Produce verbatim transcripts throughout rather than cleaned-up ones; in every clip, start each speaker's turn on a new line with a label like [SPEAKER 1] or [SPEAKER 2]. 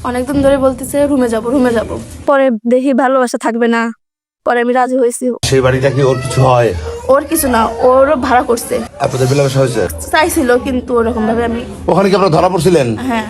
[SPEAKER 1] অনেকদিন ধরে বলতেছে রুমে যাব রুমে যাব, পরে দেখি ভালোবাসা থাকবে না, পরে আমি রাজি হয়েছি।
[SPEAKER 2] সেই বাড়িটা কি ওর কিছু হয়?
[SPEAKER 1] ওর কিছু না, ওরও ভাড়া করছে।
[SPEAKER 2] আপনাদের মেলামেশা হয়েছে?
[SPEAKER 1] চাইছিল কিন্তু ওরকম ভাবে আমি।
[SPEAKER 2] ওখানে কি আপনারা ধরা পড়ছিলেন?
[SPEAKER 1] হ্যাঁ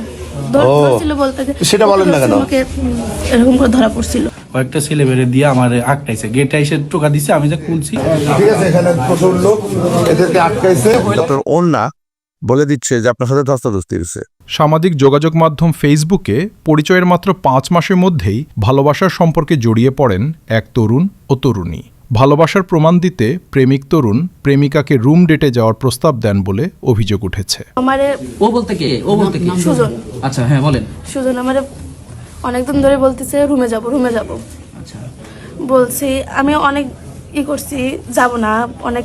[SPEAKER 1] ধরছিল বলতে,
[SPEAKER 2] সেটা বলেন না কেন?
[SPEAKER 1] আমাকে এরকম করে ধরা পড়ছিল।
[SPEAKER 3] কয়েকটা ছেলে মেরে দিয়ে আমার আটকাইছে, গেটে এসে টোকা দিছে, আমি যা খুলছি।
[SPEAKER 2] ঠিক আছে, এখানে প্রচুর লোক এদেরকে আটকাইছে। ডক্টর ওন্না বলে দিচ্ছে যে আপনার সাথে ধস্তাধস্তি হয়েছে।
[SPEAKER 4] সামাজিক যোগাযোগ মাধ্যম ফেসবুকে পরিচয়ের মাত্র পাঁচ মাসের মধ্যেই ভালোবাসার সম্পর্কে জড়িয়ে পড়েন এক তরুণ ও তরুণী। ভালোবাসার প্রমাণ দিতে প্রেমিক তরুণ প্রেমিকাকে রুম ডেটে যাওয়ার প্রস্তাব দেন বলে অভিযোগ উঠেছে।
[SPEAKER 1] আমারে
[SPEAKER 5] ও বলতে কে? ও বলতে কি?
[SPEAKER 1] সুজন।
[SPEAKER 5] আচ্ছা হ্যাঁ বলেন।
[SPEAKER 1] সুজন আমারে অনেকদিন ধরে বলতেছে রুমে যাব রুমে যাব।
[SPEAKER 5] আচ্ছা
[SPEAKER 1] বলছি, আমি অনেক ই করছি, যাব না, অনেক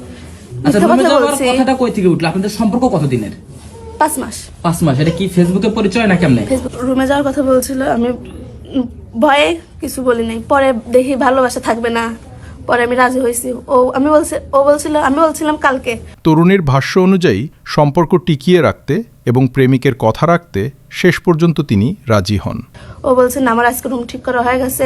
[SPEAKER 5] আচ্ছা
[SPEAKER 1] মিথ্যা
[SPEAKER 5] রুমে
[SPEAKER 1] কথা
[SPEAKER 5] যাওয়ার
[SPEAKER 1] বলছি।
[SPEAKER 5] কথাটা কই থেকে উঠলো? আপনাদের সম্পর্ক কতদিনের?
[SPEAKER 1] পাঁচ মাস।
[SPEAKER 5] পাঁচ মাস। এটা কি ফেসবুকে পরিচয় না কেমনে?
[SPEAKER 1] ফেসবুক রুমে যাওয়ার কথা বলছিল, আমি উম, ভয়ে কিছু বলি নাই। পরে দেখি ভালোবাসা থাকবে না, পরে আমি রাজি হয়েছি। ও আমি বলছি, ও বলছিল, আমি বলছিলাম কালকে।
[SPEAKER 4] তরুণীর ভাষ্য অনুযায়ী সম্পর্ক টিকিয়ে রাখতে এবং প্রেমিকের কথা রাখতে শেষ পর্যন্ত তিনি রাজি হন।
[SPEAKER 1] ও বলছে না, আমার আজকে রুম ঠিক করা হয়ে গেছে,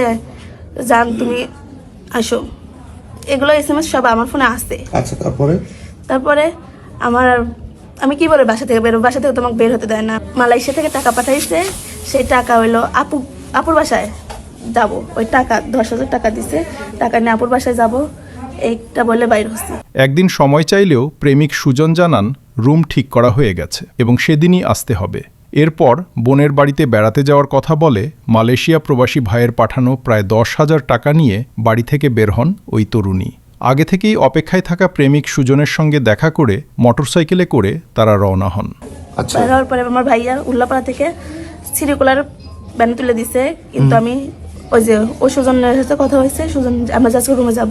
[SPEAKER 1] যান তুমি আসো। এগুলো এস এম এস সব আমার ফোনে আসছে।
[SPEAKER 2] আচ্ছা তারপরে?
[SPEAKER 1] তারপরে আমার আমি কি বলে বাসা থেকে বেরো, বাসা থেকে তোমাকে বের হতে দেয় না। মালয়েশিয়া থেকে টাকা পাঠাইছে, সেই টাকা হইলো আপু আপুর বাসায় যাব। ওই টাকা দশ হাজার টাকা দিছে, টাকা নিয়ে আপুর বাসায় যাব, এইটা বলে বাইর হচ্ছে।
[SPEAKER 4] একদিন সময় চাইলেও প্রেমিক সুজন জানান রুম ঠিক করা হয়ে গেছে এবং সেদিনই আসতে হবে। এরপর বোনের বাড়িতে বেড়াতে যাওয়ার কথা বলে মালয়েশিয়া প্রবাসী ভাইয়ের পাঠানো প্রায় দশ হাজার টাকা নিয়ে বাড়ি থেকে বের হন ওই তরুণী। আগে থেকেই অপেক্ষায় থাকা প্রেমিক সুজনের সঙ্গে দেখা করে মোটরসাইকেলে করে তারা রওনা হন।
[SPEAKER 2] আচ্ছা,
[SPEAKER 1] বের হওয়ার পরে আমার ভাইয়া উল্লাপাড়া থেকে সিরিকুলার ব্যানে তুলে দিছে, কিন্তু আমি ওই যে ওই সুজনের সাথে কথা হয়েছে, সুজন আমরা যাচ্ছি রুমে যাব।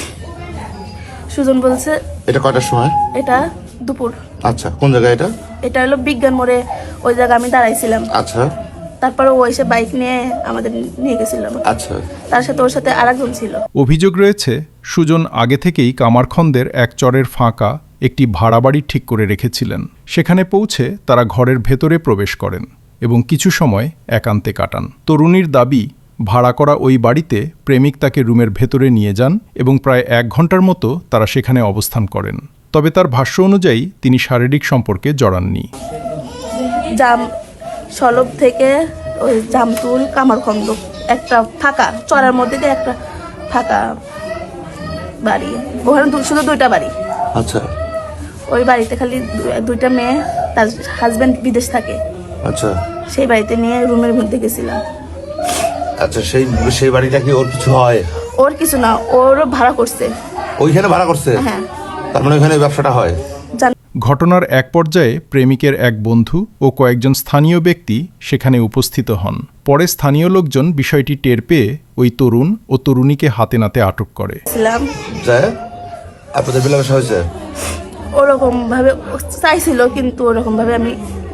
[SPEAKER 1] সুজন বলছে
[SPEAKER 2] এটা কয়টার সময়?
[SPEAKER 1] এটা দুপুর।
[SPEAKER 2] আচ্ছা, কোন জায়গায় এটা?
[SPEAKER 1] এটা হলো বিজ্ঞান মোড়ে, ওই জায়গায় আমি দাঁড়াইছিলাম।
[SPEAKER 2] আচ্ছা
[SPEAKER 1] তারপরে ও এসে বাইক নিয়ে আমাদের নিয়ে গেছিল।
[SPEAKER 2] আচ্ছা,
[SPEAKER 1] তার সাথে ওর সাথে আরেকজন ছিল।
[SPEAKER 4] অভিযোগ রয়েছে সুজন আগে থেকেই কামারখন্দের এক চরের ফাঁকা একটি ভাড়া বাড়ি ঠিক করে রেখেছিলেন। সেখানে পৌঁছে তারা ঘরের ভেতরে প্রবেশ করেন এবং কিছু সময় একান্তে কাটান। তরুণীর দাবি, ভাড়া করা ওই বাড়িতে প্রেমিক তাকে রুমের ভেতরে নিয়ে যান এবং প্রায় এক ঘন্টার মতো তারা সেখানে অবস্থান করেন। তবে তার ভাষ্য অনুযায়ী তিনি শারীরিক সম্পর্কে জড়াননি।
[SPEAKER 1] জাম সলব থেকে ওই জামতুল কামারখন্দ একটা ফাঁকা চড়ার মধ্যে দিয়ে একটা ফাঁকা বাড়ি, ওখানে দু- শুধু দুইটা বাড়ি।
[SPEAKER 2] আচ্ছা
[SPEAKER 1] ওই বাড়িতে খালি দু- দুইটা মেয়ে, তার হাজবেন্ড বিদেশ থাকে,
[SPEAKER 2] আচ্ছা
[SPEAKER 1] সেই বাড়িতে নিয়ে রুমের মধ্যে গেছিলাম।
[SPEAKER 2] আচ্ছা, সেই সেই বাড়িটা কি ওর কিছু হয়?
[SPEAKER 1] ওর কিছু না, ওরও ভাড়া করছে।
[SPEAKER 2] ওইখানে ভাড়া করছে?
[SPEAKER 1] হ্যাঁ।
[SPEAKER 2] তার মানে ওইখানে ব্যবসাটা হয়?
[SPEAKER 1] জান-
[SPEAKER 4] ঘটনার এক পর্যায়ে প্রেমিকের এক বন্ধু ও কয়েকজন স্থানীয় ব্যক্তি সেখানে উপস্থিত হন। পরে স্থানীয় লোকজন বিষয়টি টের পেয়ে ওই তরুণ ও তরুণীকে হাতে নাতে আটক করে।
[SPEAKER 1] ছিলাম
[SPEAKER 2] যায় আপনাদের মেলামেশা হয়েছে?
[SPEAKER 1] ওরকম ভাবে চাইছিল কিন্তু ওরকম ভাবে আমি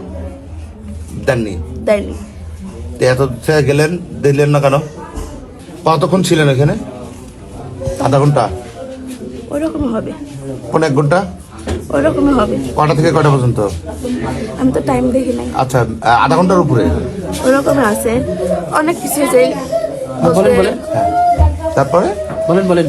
[SPEAKER 2] দেননি?
[SPEAKER 1] দেয়নি।
[SPEAKER 2] তো এত থেকে গেলেন, দিলেন না কেন? কতক্ষণ ছিলেন এখানে? আধা ঘন্টা?
[SPEAKER 1] ওরকমই হবে,
[SPEAKER 2] কোন এক ঘন্টা?
[SPEAKER 1] ওরকমই হবে।
[SPEAKER 2] কটা থেকে কটা পর্যন্ত?
[SPEAKER 1] আমি তো টাইম দেখি নাই।
[SPEAKER 2] আচ্ছা, আধা ঘন্টার উপরে?
[SPEAKER 1] ওরকমই আছে, অনেক কিছু যে
[SPEAKER 5] বলেন বলেন
[SPEAKER 2] তারপরে
[SPEAKER 5] বলেন বলেন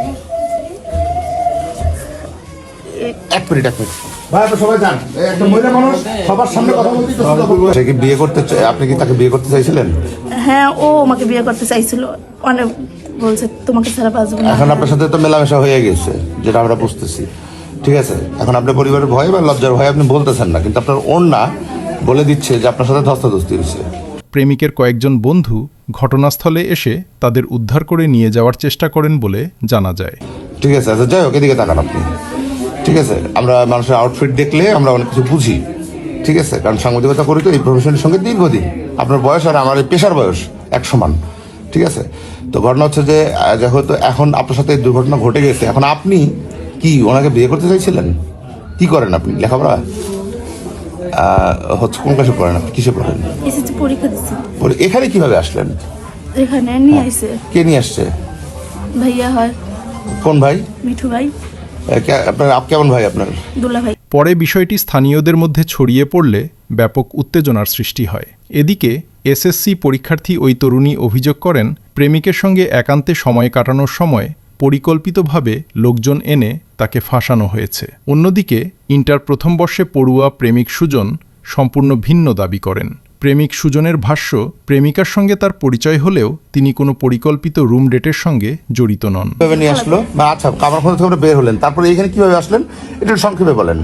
[SPEAKER 2] এক মিনিট এক মিনিট ভাই, আপনি সবাই যান। এই একটা মহিলা মানুষ সবার সামনে কথা বলতেই তো সে কি বিয়ে করতে চাই? আপনি কি তাকে বিয়ে করতে চাইছিলেন?
[SPEAKER 1] হ্যাঁ, ও আমাকে বিয়ে করতে চাইছিল, অনেক বলছে তোমাকে ছাড়া বাঁচবো না।
[SPEAKER 2] এখন আপনার সাথে তো মেলামেশা হয়ে গেছে, যেটা আমরা বুঝতেছি, ঠিক আছে? এখন আপনার পরিবারের ভয় বা লজ্জার ভয় আপনি বলতেছেন না, কিন্তু আপনার ওন্না বলে দিচ্ছে যে আপনার সাথে ধস্তাধস্তি হয়েছে।
[SPEAKER 4] প্রেমিকের কয়েকজন বন্ধু ঘটনাস্থলে এসে তাদের উদ্ধার করে নিয়ে যাওয়ার চেষ্টা করেন বলে জানা যায়।
[SPEAKER 2] ঠিক আছে, আচ্ছা যাই হোক, এদিকে তাকান আপনি, ঠিক আছে? আমরা মানুষের আউটফিট দেখলে আমরা অনেক কিছু বুঝি, ঠিক আছে? কারণ সাংবাদিকতা করি তো এই প্রফেশনের সঙ্গে দীর্ঘদিন। আপনার বয়স আর আমার এই পেশার বয়স এক সমান, ঠিক আছে? তো ঘটনা হচ্ছে যে যেহেতু এখন আপনার সাথে এই দুর্ঘটনা ঘটে গেছে, এখন আপনি কি ওনাকে বিয়ে করতে চাইছিলেন? কি করেন আপনি? লেখাপড়া হচ্ছে কোন ক্লাসে পড়েন আপনি? কিসে পড়েন?
[SPEAKER 1] এসেছি পরীক্ষা দিচ্ছি।
[SPEAKER 2] বলে এখানে কিভাবে আসলেন?
[SPEAKER 1] এখানে নিয়ে আসছে
[SPEAKER 2] কে নিয়ে আসছে?
[SPEAKER 1] ভাইয়া হয়।
[SPEAKER 2] কোন ভাই?
[SPEAKER 1] মিঠু ভাই।
[SPEAKER 2] এ, কে- আপনার আপ কেমন ভাই আপনার?
[SPEAKER 1] দুলা ভাই।
[SPEAKER 4] পরে বিষয়টি স্থানীয়দের মধ্যে ছড়িয়ে পড়লে ব্যাপক উত্তেজনার সৃষ্টি হয়। এদিকে এসএসসি পরীক্ষার্থী ওই তরুণী অভিযোগ করেন, প্রেমিকের সঙ্গে একান্তে সময় কাটানোর সময় পরিকল্পিতভাবে লোকজন এনে তাকে ফাঁসানো হয়েছে। অন্যদিকে ইন্টার প্রথম বর্ষে পড়ুয়া প্রেমিক সুজন সম্পূর্ণ ভিন্ন দাবি করেন। প্রেমিক সুজনের ভাষ্য, প্রেমিকার সঙ্গে তার পরিচয় হলেও তিনি কোনো পরিকল্পিত রুম ডেটের সঙ্গে জড়িত নন।
[SPEAKER 2] কিভাবে নিয়ে আসলো বা আচ্ছা কামারখন্দ থেকে বের হলেন, তারপরে এখানে কিভাবে আসলেন এটা সংক্ষেপে বলেন।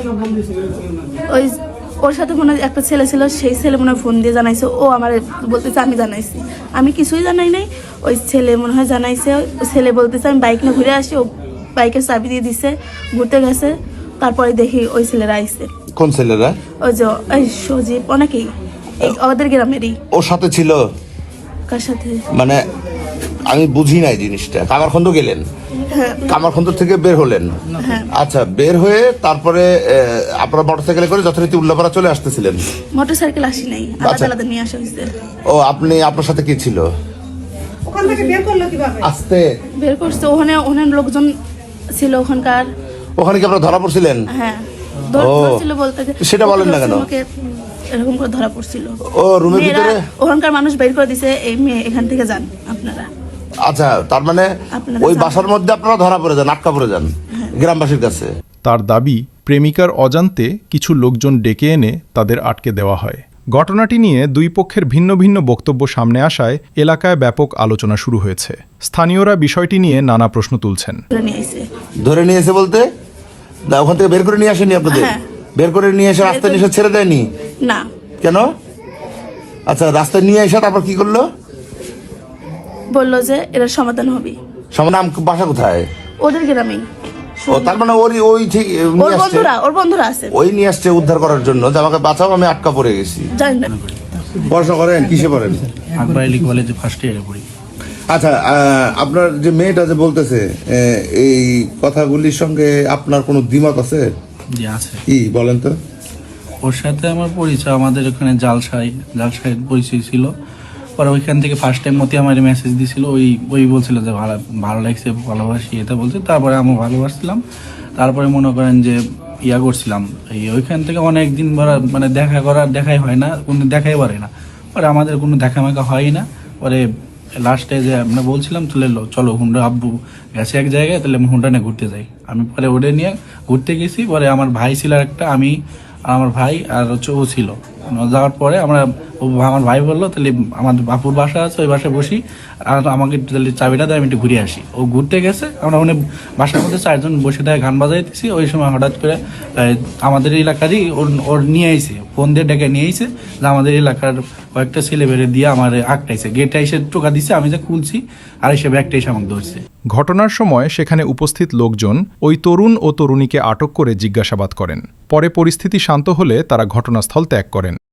[SPEAKER 1] ওই ওর সাথে মনে হয় একটা ছেলে ছিল, সেই ছেলে মনে হয় ফোন দিয়ে জানাইছে, ও আমার বলতেছে আমি জানাইছি, আমি কিছুই জানাই নাই। ওই ছেলে মনে হয় জানাইছে, ওই ছেলে বলতেছে আমি বাইক নিয়ে ঘুরে আসি, ও বাইকের চাবি দিয়ে দিছে, ঘুরতে গেছে। তারপরে দেখি ওই ছেলেরা আইছে।
[SPEAKER 2] কোন ছেলেরা?
[SPEAKER 1] ওই যে ওই সজীব, অনেকেই এই আমাদের গ্রামেরই।
[SPEAKER 2] ওর সাথে ছিল?
[SPEAKER 1] কার সাথে
[SPEAKER 2] মানে আমি বুঝি নাই জিনিসটা। কামারখন্দ গেলেন,
[SPEAKER 1] হ্যাঁ
[SPEAKER 2] কামারখন্দ থেকে বের হলেন,
[SPEAKER 1] হ্যাঁ
[SPEAKER 2] আচ্ছা বের হয়ে তারপরে আপনারা মোটরসাইকেলে করে যথারীতি উল্লাপাড়া চলে আসতেছিলেন?
[SPEAKER 1] মোটর সাইকেল আসি নাই, আলাদা
[SPEAKER 2] আচ্ছা।
[SPEAKER 1] আলাদা নিয়ে আসা হয়েছে।
[SPEAKER 2] ও আপনি, আপনার সাথে কি ছিল?
[SPEAKER 6] ওখান থেকে বের করলো কিভাবে?
[SPEAKER 2] আসতে
[SPEAKER 1] বের করছে, ওখানে ওখানে লোকজন ছিল ওখানকার।
[SPEAKER 2] ওখানে কি আপনারা ধরা পড়ছিলেন?
[SPEAKER 1] হ্যাঁ ধর-
[SPEAKER 2] ও,
[SPEAKER 1] ধরছিল বলতে যে-
[SPEAKER 2] সেটা বলেন না কেন?
[SPEAKER 1] আমাকে এরকম করে ধরা পড়ছিল।
[SPEAKER 2] ও রুমের
[SPEAKER 1] মেয়েরা,
[SPEAKER 2] ভিতরে?
[SPEAKER 1] ওখানকার মানুষ বের করে দিছে, এই মেয়ে এখান থেকে যান আপনারা।
[SPEAKER 2] আচ্ছা তার মানে
[SPEAKER 1] আপনারা
[SPEAKER 2] ওই
[SPEAKER 1] জানেন।
[SPEAKER 2] বাসার মধ্যে আপনারা ধরা পড়ে যান, আটকা পড়ে যান গ্রামবাসীর কাছে।
[SPEAKER 4] তার দাবি, প্রেমিকার অজান্তে কিছু লোকজন ডেকে এনে তাদের আটকে দেওয়া হয়। ঘটনাটি নিয়ে দুই পক্ষের ভিন্ন ভিন্ন বক্তব্য সামনে আসায় এলাকায় ব্যাপক আলোচনা শুরু হয়েছে। স্থানীয়রা বিষয়টি নিয়ে নানা প্রশ্ন তুলছেন।
[SPEAKER 1] ধরে নিয়ে আইছে।
[SPEAKER 2] ধরে নিয়ে এসে বলতে না, ওখান থেকে বের করে নিয়ে আসেনি আপনাদের?
[SPEAKER 1] হ্যাঁ।
[SPEAKER 2] বের করে নিয়ে এসে রাস্তায় নিয়ে এসে ছেড়ে দেয়নি
[SPEAKER 1] না,
[SPEAKER 2] কেন? আচ্ছা রাস্তায় নিয়ে এসে তারপর কি করলো?
[SPEAKER 1] বললো যে এর সমাধান হবে।
[SPEAKER 2] সবার নাম বাসা কোথায়?
[SPEAKER 1] ওদের গ্রামেই।
[SPEAKER 2] ও তার মানে ওরই ওই ঠিক
[SPEAKER 1] ওর
[SPEAKER 2] নিয়ে আসছে,
[SPEAKER 1] বন্ধুরা ওর বন্ধুরা আছে,
[SPEAKER 2] ওই নিয়ে আসছে উদ্ধার করার জন্য যে আমাকে বাঁচাও, আমি আটকা পড়ে গেছি।
[SPEAKER 1] জানেন না।
[SPEAKER 2] পড়াশোনা করেন? কিসে পড়েন?
[SPEAKER 3] আকবর আলী কলেজে ফার্স্ট ইয়ারে পড়ি।
[SPEAKER 2] আচ্ছা আহ, আপনার যে মেয়েটা যে বলতেছে আহ, এই কথাগুলির সঙ্গে আপনার কোনো দ্বিমত আছে?
[SPEAKER 3] যে আছে,
[SPEAKER 2] কি বলেন তো?
[SPEAKER 3] ওর সাথে আমার পরিচয় আমাদের ওখানে জালসাই জালসাইয়ের পরিচয় ছিল। পরে ওইখান থেকে ফার্স্ট টাইম মতি আমার মেসেজ দিছিল, ওই ওই বলছিল যে ভালো ভালো লাগছে, ভালোবাসি, এটা বলছে। তারপরে আমি ভালোবাসছিলাম। তারপরে মনে করেন যে ইয়া করছিলাম, এই ওইখান থেকে অনেক দিন মানে দেখা করার দেখাই হয় না, কোনো দেখাই পারে না। পরে আমাদের কোনো দেখা মেখা হয় না। পরে লাস্টে যে আমরা বলছিলাম চলে এলো, চলো হুন্ডা আব্বু গেছে এক জায়গায়, তাহলে আমি হুন্ডা নিয়ে ঘুরতে যাই। আমি পরে ওটা নিয়ে ঘুরতে গেছি। পরে আমার ভাই ছিল একটা, আমি আমার ভাই আর হচ্ছে ও ছিল। যাওয়ার পরে আমরা ও আমার ভাই বললো তাহলে আমার বাপুর বাসা আছে, ওই বাসায় বসি, আর আমাকে তাহলে চাবিটা দেয়, আমি একটু ঘুরে আসি। ও ঘুরতে গেছে, আমরা ওখানে বাসার মধ্যে চারজন বসে দেয় গান বাজাইতেছি। ওই সময় হঠাৎ করে আমাদের এলাকারই ওর ওর নিয়ে আইছে, ফোন দিয়ে ডেকে নিয়ে আইছে যে আমাদের এলাকার কয়েকটা ছেলে বেড়ে দিয়ে আমার আটটাইছে, গেটে এসে টোকা দিছে, আমি যে খুলছি আর এসে ব্যাগটা এসে আমাকে ধরছে।
[SPEAKER 4] ঘটনার সময় সেখানে উপস্থিত লোকজন ওই তরুণ ও তরুণীকে আটক করে জিজ্ঞাসাবাদ করেন। পরে পরিস্থিতি শান্ত হলে তারা ঘটনাস্থল ত্যাগ করেন।